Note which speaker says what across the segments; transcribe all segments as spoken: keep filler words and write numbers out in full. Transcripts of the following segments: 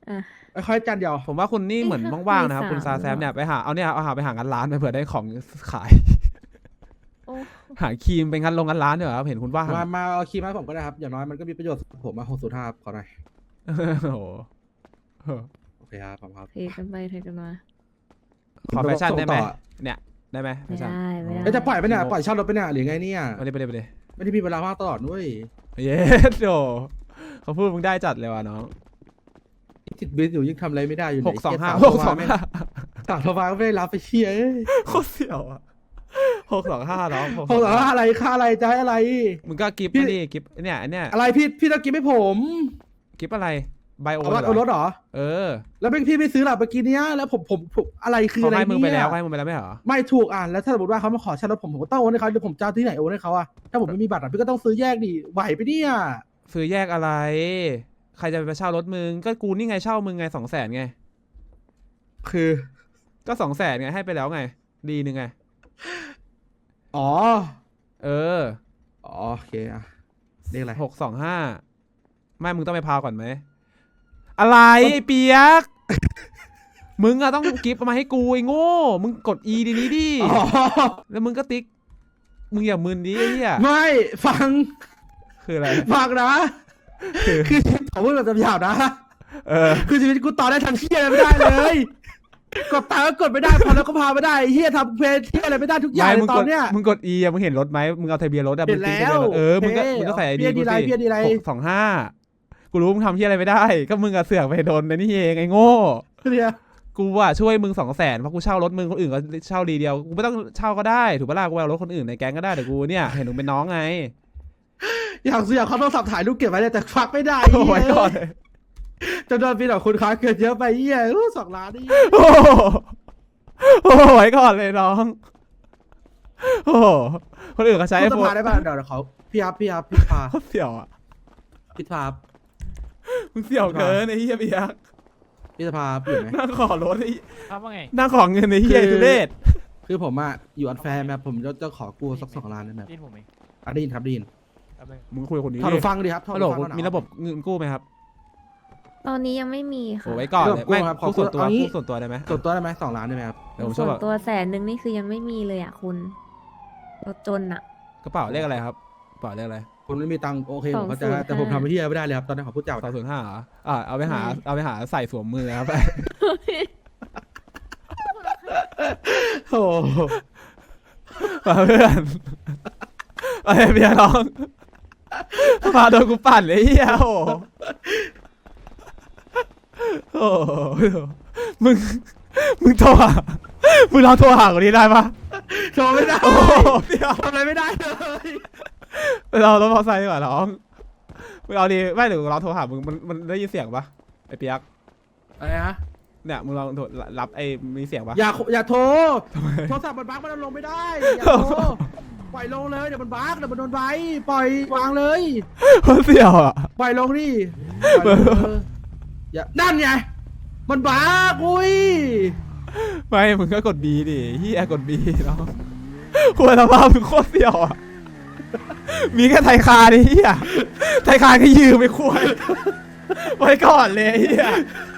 Speaker 1: อ่ะ
Speaker 2: ค่อยๆจันเดียว
Speaker 3: ผมว่าคุณนี่เหมือน
Speaker 1: เอ๊ะ
Speaker 3: ว่างๆนะครับ
Speaker 1: มี
Speaker 3: คุณซา
Speaker 1: สาม
Speaker 3: แซม
Speaker 1: เหรอ
Speaker 3: เนี่ยไปหาเอาเนี่ยเอาหาไปหางานร้านไปเผื่อได้ของขาย
Speaker 1: โอ้
Speaker 3: หาครีมเป็นงานลงงานร้านเดี๋ยวครับเห็นคุณว่าง
Speaker 2: มามาเอาคีย์มาให้ผมก็ได้ครับอย่างน้อยมันก็มีประโยชน์กับผมมาหกศูนย์ห้าขอหน่อย
Speaker 3: โอ้โห
Speaker 2: โอเคครับผมครับ
Speaker 1: เทกันไปเทกันมา
Speaker 3: ขอแฟชั่นได้ไหม
Speaker 2: ส่งต่อ
Speaker 3: เนี่ยได้ไหมแฟ
Speaker 1: ไม่
Speaker 3: ชั่น
Speaker 1: ได้ไม่ได้
Speaker 2: เอ้ยจะปล่อยไปเนี่ยปล่อยเช่ารถไปเนี่ยหรือไงเนี่ย
Speaker 3: ไปเลยไปเลยไปเลย
Speaker 2: ไม่ได้มีเวลาว่างตลอดด้วย
Speaker 3: เย้โดเขาพูดมึงได้จัดเลยว่ะน้อง
Speaker 2: ติดบิสอยู่ยิ่งทำอะไรไม่ได้อยู่
Speaker 3: หกสองห้า
Speaker 2: ไเย
Speaker 3: หกสองห้า
Speaker 2: สั่งโทรมาก็ไม่ได้รับไปเชียร์
Speaker 3: โคตรเสี่ยวอ่ะหกสองห้าน้อง
Speaker 2: หกสองห้าอะไรค่าอะไรจะให้อะไร
Speaker 3: มึงก็กิฟต์
Speaker 2: พี่
Speaker 3: มาดิกิฟต์เนี่ยอันเนี้ย
Speaker 2: อะไรพี่พี่ต้องกินให้ผม
Speaker 3: กิฟต์อะไรไบโอ
Speaker 2: เอารถเอารถเหรอ
Speaker 3: เออ
Speaker 2: แล้วเป็นพี่ไม่ซื้อหรอเมื่อกี้เนี้ยแล้วผมผมผมอะไรคือ
Speaker 3: เขา
Speaker 2: อะไร
Speaker 3: ให้มึงไป
Speaker 2: เนี่
Speaker 3: แล้ว
Speaker 2: ย
Speaker 3: เขาให้มึงไปแล้วไม่เหรอ
Speaker 2: ไม่ถูกอ่านแล้วถ้าสมมติว่าเขามาขอเช่ารถผมผมก็ต้องโอนให้เขาเดี๋ยวผมจะเอาที่ไหนโอนให้เขาอะถ้าผมไม่มีบัตรอะพี่ก็ต้องซื้อแยกดิไหวไปเนี่ย
Speaker 3: ซื้อแยกอะไร ใครจะไปเช่ารถมึงก็กูนี่ไงเช่ามึงไงสองแสนไง
Speaker 2: คือ
Speaker 3: ก็สองแสนไงให้ไปแล้วไง ดีหนึ่งไง
Speaker 2: อ๋อ
Speaker 3: เออ
Speaker 2: อ๋อโอเคอะเรียกอะไร
Speaker 3: หกสองห้าไม่มึงต้องไปพาวก่อนไหมอะไรไอ้เปียก มึงอะต้องกิฟต์มาให้กูไอ้โง่มึงกด E ดีนี้ดิ
Speaker 2: อ๋อ
Speaker 3: แล้วมึงก็ติ๊กมึงอย่ามึนดิไอ้เหี้ย
Speaker 2: ไม่ฟัง
Speaker 3: คืออะไร
Speaker 2: ฟังนะ
Speaker 3: คือ
Speaker 2: คือผมพูดแบบหยาบๆนะ
Speaker 3: เออ
Speaker 2: คือชีวิตกูต่อได้ทันเที่ยอะไรไม่ได้เลยกดตาก็กดไม่ได้พอแล้วก็พาไม่ได้เฮียทำเพลย์เที่ยอะไรไม่ได้ทุกอย่าง
Speaker 3: ไม่
Speaker 2: เล
Speaker 3: มึ
Speaker 2: ย
Speaker 3: ง
Speaker 2: ต
Speaker 3: ก
Speaker 2: อ
Speaker 3: ด
Speaker 2: นเนี้ย
Speaker 3: มึงกด E อะมึงเห็นรถไหมมึงเอาทะเบียนรถอะ
Speaker 2: เห็
Speaker 3: มึ
Speaker 2: น
Speaker 3: งติ๊กทะเบียนรถ
Speaker 2: แล้ว
Speaker 3: เออมึงก็
Speaker 2: เฮ้ย
Speaker 3: มึงก็ใส่ไอดี
Speaker 2: เพี้ยดีไรเพี้ยดีไร
Speaker 3: หกสองห้ากูรู้มึงทำที่อะไรไม่ได้ ก็มึงอะเสือกไปโดนในนี่เองไอ้โง่
Speaker 2: เนี่ย
Speaker 3: กูว่าช่วยมึงสองแสนเพราะกูเช่ารถมึงคนอื่นก็เช่าดีเดียวกูไม่ต้องเช่าก็ได้ถูกปะล่ะกูเอารถคนอื่นในแก๊งก็ได้แต่กูเนี่ยเห็นมึงเป็นน้องไง
Speaker 2: อยากซื้ออยากเขาต้องสับถ่ายรูปเก็บไว้เลยแต่ฟักไม่ได้
Speaker 3: โอ้ยก่อนเลย
Speaker 2: จำนวนปีต่อคุณค้าเกินเยอะไปเฮียอู้สองล้านนี่
Speaker 3: โอ้โหโอ้ยก่อนเลยน้องโอ้โหคนอื่นเขาใช้ไอ
Speaker 2: พูด
Speaker 3: โฟ
Speaker 2: ส
Speaker 3: น
Speaker 2: ภาได้ป่ะเดี๋ยวเดี๋ยวเขาพี่ครับพี่ครับพี่พา
Speaker 3: เขาเสี่ยวอ่ะ
Speaker 2: พี่พา
Speaker 3: มึงเสี่ยวเกินไอ้เหี้ยเบียก
Speaker 2: พี่สภาพี่อยู่ไหม
Speaker 3: นั่งขอรถไอ้
Speaker 4: ครับว่าไง
Speaker 3: นั่งขอเงินไอ้เหี้ยทุเรศ
Speaker 2: คือผมอะอยู่อันแฟร์แบบผมจะจะขอกูสักสองล้านได้ไหม
Speaker 4: ดินผมเอง
Speaker 2: อ่ะได้ยินครับได้ยิน
Speaker 4: แป๊บนึง
Speaker 3: มึงคุยกับคนนี้
Speaker 2: ถอด
Speaker 3: ดิ
Speaker 2: หูฟังดิครับถอด
Speaker 3: ฮัลโหล
Speaker 2: หูฟังก่อน
Speaker 3: มีระบบเงินกู้ไหมครับ
Speaker 1: ตอนนี้ยังไม่มี
Speaker 3: โอ้
Speaker 1: ค่ะ
Speaker 3: ไว้ก่อนเลย
Speaker 2: กู้
Speaker 3: ไม่
Speaker 2: ครับขอ
Speaker 3: กู้ส่วนตัว
Speaker 2: เอางี้
Speaker 3: กู้ส่วนตัวได้ไหม
Speaker 2: ส่วนตัวได้ไหมสองล้านได้ไหมครับ
Speaker 3: เดี๋ยวผมช่
Speaker 1: ส่
Speaker 3: วย
Speaker 1: วน
Speaker 3: บอก
Speaker 1: ตัวแสนหนึ่งนี่คือยังไม่มีเลยอ่ะคุณรถจนอ่ะ
Speaker 3: กระเป๋าเลขอะไรครับกระเป๋าเลขอะไร
Speaker 2: คุณไม่มีตังค์โอเค
Speaker 1: ส
Speaker 2: ผ
Speaker 1: อง
Speaker 2: มเข้าใจ
Speaker 1: ศูนย์
Speaker 2: แต่ผม
Speaker 1: ห้า
Speaker 2: ทำไปที่ไม่ได้เลยครับตอนนี้ขอพูดจา
Speaker 3: สองศูนย์ห้าเหรออ่าเอาไปหาเอาไปหาใส่สวมมือครับ
Speaker 2: โอ้โห
Speaker 3: มาเพื่อนอะไรเบียร์น้องมาโดนกูปั่นเลยเฮียโอ้โหโอ้โหมึงมึงโทรหามึงลองโทรหาคนนี้ได้ปะ
Speaker 2: โชว์ไม่ได้
Speaker 3: โอ้โหเดี๋ยว
Speaker 2: ทำอะไรไม่ได้เลย
Speaker 3: ไปเรารถมอเตอร์ไซค์ดีกว่าน้องมึงเอาดีไม่หรือเราโทรหามึงมันมันได้ยินเสียงปะไอ้เปียก
Speaker 2: อะไรฮะ
Speaker 3: เนี่ยมึงลองโทรรับไอ้มีเสียงปะ
Speaker 2: อย่าอย่าโทรโทรศัพท์มันบั๊กมันเอาลงไม่ได้อย่าโทรปล่อยลงเลยเดี๋ยวมันบั๊กเดี๋ยวมันโดนใบปล่อยวางเลย
Speaker 3: มันเสียวอ่ะ
Speaker 2: ปล่อยลงดิปล่อยลงเอออย่านั่นไงมันบั๊กอุ้ย
Speaker 3: ไม่มึงก็กดบีดิเฮียกดบีน้องควรสภาพมึงโคตรเสียวอ่ะมีแค่ไทยคาดิเฮียไทยคาก็ยืมไปควรไว้ก่อนเลยเฮีย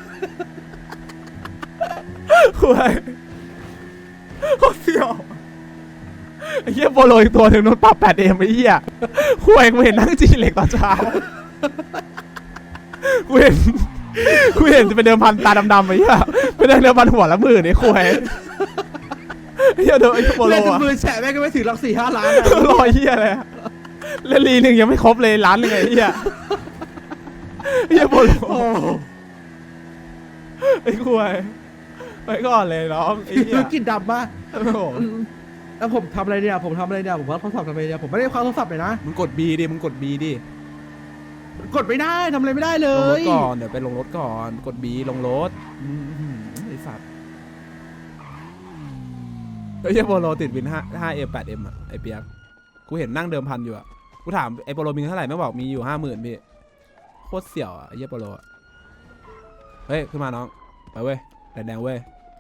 Speaker 3: ควรโคตรเสียวไอ้เฮียโปโลอีกตัวหนึ่งโดนปรับแปดเอ็มไอ้เฮียควรกูเห็นนั่งจีเหล็กตอนเช้ากูเห็นกูเห็นจะเป็นเดิมพันตาดำๆไอ้เหี้ยเป็นเดิมพันหัวละหมื่นไอ้ควายไอ้เหี้ยเดิมไอ้โปโล
Speaker 2: เล่นจน
Speaker 3: อะ
Speaker 2: มือแฉะแม่งก็ไม่ถึงหลักสี่ห้าล้านอะ
Speaker 3: รอยเหี้ยเลยอะแล้วลีหนึ่งยังไม่ครบเลยล้านหนึ่งไอ้เหี้ยไอ้เหี้ยโปโล
Speaker 2: โอ้
Speaker 3: ไอ้ควายไปก่อนเลยน้องไอ้เหี้ย
Speaker 2: คือกินดำมา
Speaker 3: โอ้โห
Speaker 2: แล้วผมทำอะไรเนี่ยผมทำอะไรเนี่ยผมว่าโทรศัพท์ทำอะไรเนี่ยผมไม่ได้คว้าโทรศัพท์เลยนะ
Speaker 3: มึงกดบีดิมึงกดบีดิ
Speaker 2: กดไม่ได้ทำอะไรไม่ได้เล
Speaker 3: ลงรถ
Speaker 2: ย
Speaker 3: ก่อนเดี๋ยวไปลงรถก่อนกดบีลงรถอื้อหือไอ้สัตว์ไอ้เหี้ยโปโลติดวินห้าห้าเอ็มแปดเอ็มอะไอ้เปียกกูเห็นนั่งเดิมพันอยู่อะกูถามไอ้โปโลมีเท่าไหร่ไม่บอกมีอยู่ห้าหมื่นพี่โคตรเสี่ยวอะไอ้เหี้ยโปโลอะเฮ้ยขึ้นมาน้องไปเว้ยแดงแดงเว้ย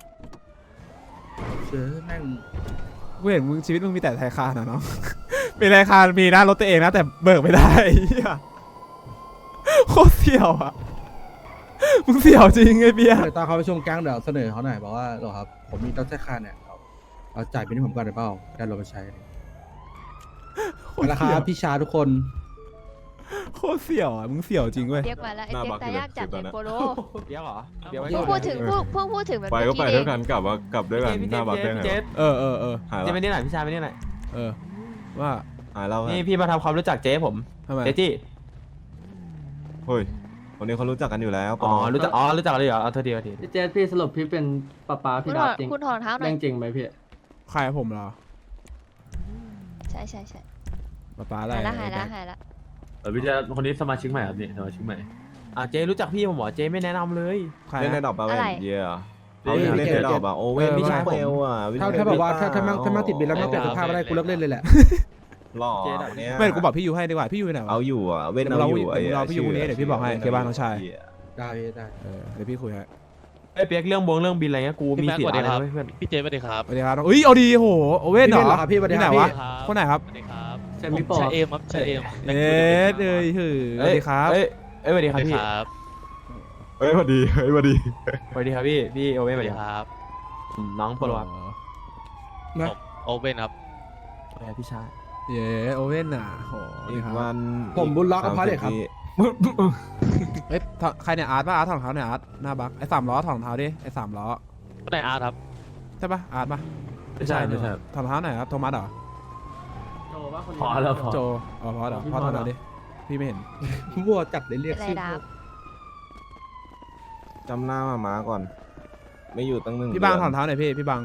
Speaker 2: เจอแม่ง
Speaker 3: กูเห็นมึงชีวิตมึงมีแต่ไทยคานอะน้อง มีไทยคานมีนะรถตัวเองนะแต่เบิกไม่ได้ไอ้เหี้ยโคตรเสี่ยวอะมึงเสี่ยวจริงไอ้เปียก
Speaker 2: เดี๋ยวตอนเขาไปชมแก๊งเดี๋ยวเสนอเขาหน่อยบอกว่าเหรอครับผมมีต้นแท้ค่าเนี่ยเอาเอาจ่ายเป็นที่ผมก่อนได้เปล่าได้เราไปใช้ราคาพี่ชาทุกคน
Speaker 3: โคตรเสี่ยวอ่ะมึงเสี่ยวจริงเว้ย
Speaker 4: เรียกมาแล้วไอ้เจ๊กตายยากจัดเลยโปโล
Speaker 5: เปียกเหรอเปียกไว้
Speaker 4: เพิ่งพูดถึงเพิ่งเพิ่งพูดถึงแบบ
Speaker 6: ไป
Speaker 4: เมื่
Speaker 6: ก็
Speaker 4: อ
Speaker 6: ไป
Speaker 4: กี้เอ
Speaker 6: ด้วย
Speaker 4: ง
Speaker 6: กันกลับว่ากลับด้วยกันหน้าบักได้ไง
Speaker 5: เจ
Speaker 6: วะ
Speaker 5: ส
Speaker 3: เออเออเออ
Speaker 6: หาย
Speaker 5: เจ
Speaker 6: แล้ว
Speaker 5: ไปนี่หน่อยพี่ชายไปนี่หน่อย
Speaker 3: เออว่า
Speaker 6: หายแล้ว
Speaker 5: นี่พี่มาทำความรู้จักเจ๊ผม
Speaker 3: ทำไม
Speaker 5: เจ๊จี้
Speaker 6: เฮ้ยคนนี้เขารู้จักกันอยู่แล้ว
Speaker 5: อ๋อรู้จักอ๋อรู้จักเลยเหรอเอาเธอดีเอาที
Speaker 7: พี่เจสพี่สรุปพี่เป็นป้าป้า
Speaker 4: คุ
Speaker 7: พี่
Speaker 4: ณถ
Speaker 7: ดา
Speaker 4: อบ ด
Speaker 7: จริง
Speaker 4: คุณถอดรองเท้าหน่อ
Speaker 7: เรื่
Speaker 4: ย
Speaker 7: องจริงไหมพี่
Speaker 3: ใครผมเหรอ
Speaker 4: ใช่ใช่ใช่
Speaker 3: ป๊าป๊าอะไร
Speaker 4: หายละหายละหายละ
Speaker 8: เออพี่เจะคนนี้สมาชิกใหม่ครับนี่สมาชิกใหม่
Speaker 5: อ่ะเจ๊รู้จักพี่ผมเหรอเจ๊ไม่แนะนำเลย
Speaker 3: ใคร
Speaker 6: เล่นใน
Speaker 3: นะ
Speaker 6: ดอกปลาเวนเย่อะ
Speaker 2: เฮ้
Speaker 6: เขา
Speaker 2: ย
Speaker 6: เล่นในดอกอะโอเว่น
Speaker 3: เออ
Speaker 6: พี่ชาย
Speaker 3: ไม่
Speaker 6: เปลวอะวิน
Speaker 2: ถ้าถ้าแบบว่าถ้าถ้ามั่งถ้ามั่งติดบินแล้วไม่เปลี่ยนสภาพไม่ได้กูเลิกเล่นเลยแหละ
Speaker 6: หล่อเนี่ย
Speaker 3: ไม่กูบอกพี่ยูให้ดีกว่าพี่ยูไหนวะ
Speaker 6: เอาอยู่อะเว้น
Speaker 3: เดี๋ยว
Speaker 6: เอา
Speaker 3: เรา
Speaker 6: อยู่
Speaker 3: เดี๋ยวเราพี่ยูคนนี้เดี๋ยวพี่บอกให้เคบ้านน้องชาย
Speaker 2: ได้ได้
Speaker 3: เออเดี๋ยวพี่คุยให้
Speaker 5: ไอ้ยเปียกเรื่องบวงเรื่องบินอะไรเงี้ยกูมีสิทธิ์อะไรนะเพื่อน
Speaker 8: พี่เจสวัสดีครับ
Speaker 3: สวัสดีครับน้องเอ้ยเอาดีโหโอเว่นเหร
Speaker 2: พี่
Speaker 3: อ
Speaker 2: เหรอครับพี่สวัสดี
Speaker 3: ที่
Speaker 2: ค
Speaker 3: ไหน
Speaker 2: รับ
Speaker 3: วะ
Speaker 2: พี่
Speaker 3: คนไหนครับ
Speaker 8: สวัสดีครับ
Speaker 7: ใช่พี่ปอ
Speaker 8: ชาเอมครับชาเอม
Speaker 3: เอ็ดเอ้ยหือสวัสดีครับ
Speaker 5: เอ้ยเอ้ยสวัสดี
Speaker 8: ส
Speaker 5: ครั
Speaker 8: วั
Speaker 5: บ
Speaker 8: สดี
Speaker 5: พี่
Speaker 8: ครับ
Speaker 6: เฮ้ยพอดีเฮ้ยพอดี
Speaker 5: สวัสดีครับพี่พี่โอเว่น
Speaker 8: ส
Speaker 5: ส
Speaker 8: วั
Speaker 5: วั
Speaker 8: ส
Speaker 5: ส
Speaker 8: ดี
Speaker 5: ดี
Speaker 8: ค
Speaker 5: ครับ
Speaker 8: รับ
Speaker 5: อืมน้องโปรครับ
Speaker 2: นะ
Speaker 8: ผมโอเว่นครับ
Speaker 5: สวัสดีครับพี่ชาย
Speaker 3: เย้โอเว่นอ่ะโหสวัส
Speaker 6: อี
Speaker 3: ดี
Speaker 6: ก
Speaker 3: ครับ
Speaker 6: วัน
Speaker 2: ผมบุญล็อกกับพระเด็กครับ
Speaker 3: เอ้ยถอดใครเนี่ยอาร์ตป่ะอาร์ตถอดรองเท้าเนี่ยอาร์ตหน้าบักไอ้สามล้อถอดรองเท้าดิไอ้สามล้อ
Speaker 8: ก็ได้อาร์ตครับ
Speaker 3: ใช่ป่ะอาร์ตป่ะ
Speaker 5: ไม่ใช่ไม่ใช่
Speaker 3: ถอดรองเท้าไหนครับโทมัสเหรอ
Speaker 7: โจว่าคน
Speaker 8: พอแล้วพอ
Speaker 3: โจอ๋อพอเหรอพอถอดหน่อยดิพี่ไม่เห็น
Speaker 2: วัวจัดเลยเรียก
Speaker 4: อะไร
Speaker 2: ชื่อ
Speaker 4: ดาบ
Speaker 6: จำหน้ามาม้าก่อน ไม่อยู่ตั้งหนึ่ง
Speaker 3: พี่บางถอดร
Speaker 6: เดื
Speaker 3: องเท้าหน่อยพี่พี่บาง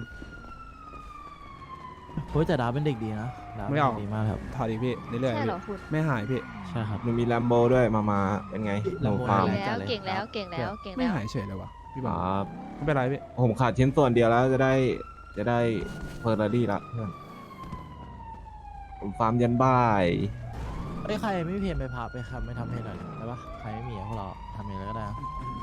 Speaker 9: โอ้ยแต่ดาบเป็นเด็กดีนะดาบ
Speaker 3: ไม่เอา
Speaker 9: ป็นด็กดีมากครับ
Speaker 3: ถอดอีกพี่เรื่อยๆ
Speaker 4: ใช่
Speaker 3: พี่
Speaker 4: เหรอคุณ
Speaker 3: ไม่หายพี่
Speaker 9: ใช่ครับ
Speaker 6: มันมีแลมโบด้วยมาม้าเป็นไงหนูฟาร์ม
Speaker 4: เก่งแล้วเก่งแล้วเก่งแล้วเก่ง
Speaker 3: ไม่
Speaker 4: แล้ว
Speaker 3: หายเฉยเลยวะพี่
Speaker 6: ค
Speaker 3: บาง
Speaker 6: รับ
Speaker 3: ไม่เป็นไรพี่
Speaker 6: ผมขาดชิ้นส่วนเดียวแล้วจะได้จะได้เฟอร์รารี่ละเพื่อนผมฟาร์มยันบ่าย
Speaker 9: เอ้ยใครไม่มีเพนไปพาไปครับไม่ทำเพนหน่อยได้ปะใครไม่มีอะพวกเราทำเองเลยก็ได้นะ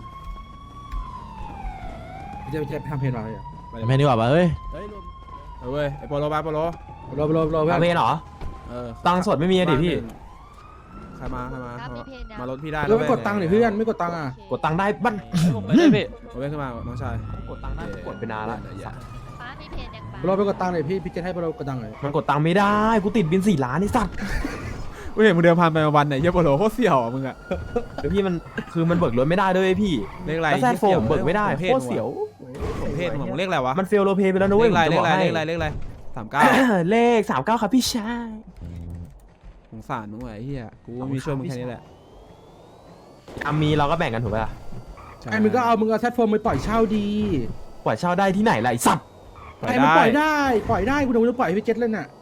Speaker 2: พี่จะไปทำเพลงอะไรอ่ะ
Speaker 9: เพนดีกว่าปะเฮ้ย
Speaker 3: เอาเว้ยไอ้โปโลบาโปโล
Speaker 2: รอรอรอเพื่อ
Speaker 5: เอา
Speaker 2: น
Speaker 5: เพนเหรอ
Speaker 3: เออ
Speaker 5: ตังค์สดไม่มีอะดิพี่
Speaker 3: ใครมาใครมา
Speaker 4: ครับมีเพนนะ
Speaker 3: มารถพี่ได้
Speaker 2: แล้วไม่กดตังค์ดิเพื่อนไม่กดตังค์อ่ะ
Speaker 5: กดตังค์ได้บ้าน
Speaker 8: ผมไม่ได้พี่
Speaker 3: โอเว่นขึ้นมาน้องชาย
Speaker 5: กดตังค์ได้กดไปนานละ
Speaker 3: อย่า
Speaker 4: ป้ามีเพนยังป้า
Speaker 2: เราไปกดตังค์หน่อยพี่พี่จะให้เรากดตังค์หน่อย
Speaker 5: มันกดตังค์ไม่ได้กูติดบินสี่ล้านไอ้สัตว์
Speaker 3: กูเห็นมึงเดินผ่านไปมาวันไหนเยี่ยโปโลโคตรเสี่ยวอ่ะมึงอะ
Speaker 5: แล้วพี่มันคือมันเบิกรถไม่ได้ด้วยพี่
Speaker 3: เลขอะไร
Speaker 5: แล้วแซดโฟมเบิกไม่ได้
Speaker 3: เพ
Speaker 5: โคตรเสียว
Speaker 3: ผมเพศมึงเลขอะไรวะ
Speaker 5: มันเฟลโลเพไปแล้วนะ
Speaker 3: เล
Speaker 5: เว้ย
Speaker 3: ขอะไร
Speaker 5: ผม
Speaker 3: เล
Speaker 5: จะ
Speaker 3: ข
Speaker 5: บ
Speaker 3: อะ
Speaker 5: อก
Speaker 3: ไรเล
Speaker 5: ให้
Speaker 3: ขอะไรเลขอะไรสามเก้า
Speaker 5: เลขสามเก้าครับพี่ชาย
Speaker 3: สงสารมึงว่ะไอ้เหี้ยกูมีช่วยมึงแค่นี้แหละ
Speaker 5: อามีเราก็แบ่งกันถูกไหมล่ะ
Speaker 3: ใช่
Speaker 2: ไอ้มึงก็เอามึงเอาแซดโฟมไปปล่อยเช่าดี
Speaker 5: ปล่อยเช่าได้ที่ไหนล่ะไอ้สัตว์
Speaker 2: ไอ้มึงปล่อยได้ปล่อยได้กูเดี๋ยวกูจะปล่อยให้พี่เจ็ดเล่นน่ะ